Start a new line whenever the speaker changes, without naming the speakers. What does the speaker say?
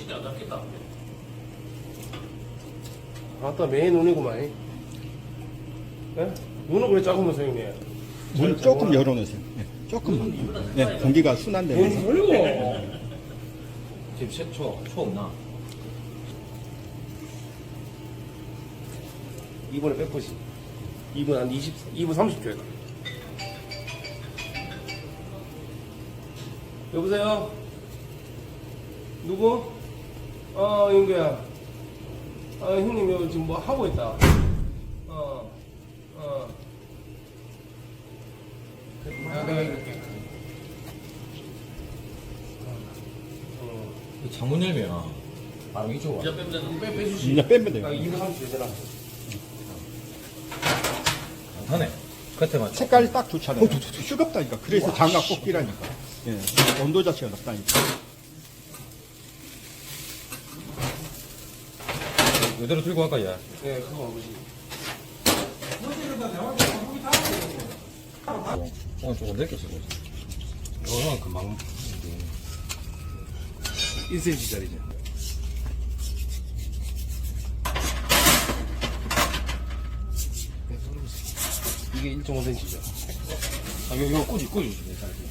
진짜 안 닿겠다.
아따 매 눈이구만. 예? 눈은 그래 작으면서 형님.
문 조금 열어놓으세요. 네, 조금만. 네, 공기가 순환되면서
뭔 소리고?
지금 초 없나?
이번에 100%씩. 2분 한 2분 30초 해가. 여보세요? 누구? 영규야. 형님 여기 지금 뭐 하고 있다. 내가 이렇게.
창문 열면 바로 이쪽 와.
이제 빼주시.
이제 빼면 돼요.
2분 30초 되잖아.
안 타네. 끝에만.
색깔이 딱 좋잖아요. 뜨겁다니까. 그래서 장갑 꼭 끼라니까. 예, 온도 자체가 높다니까.
이대로 들고 갈까, 얘?
네, 그거 아버지.
오늘 조금 넓게 쓰고 있어. 이거는 금방.
1cm짜리죠. 이게 1.5cm죠.
이거 꾸지.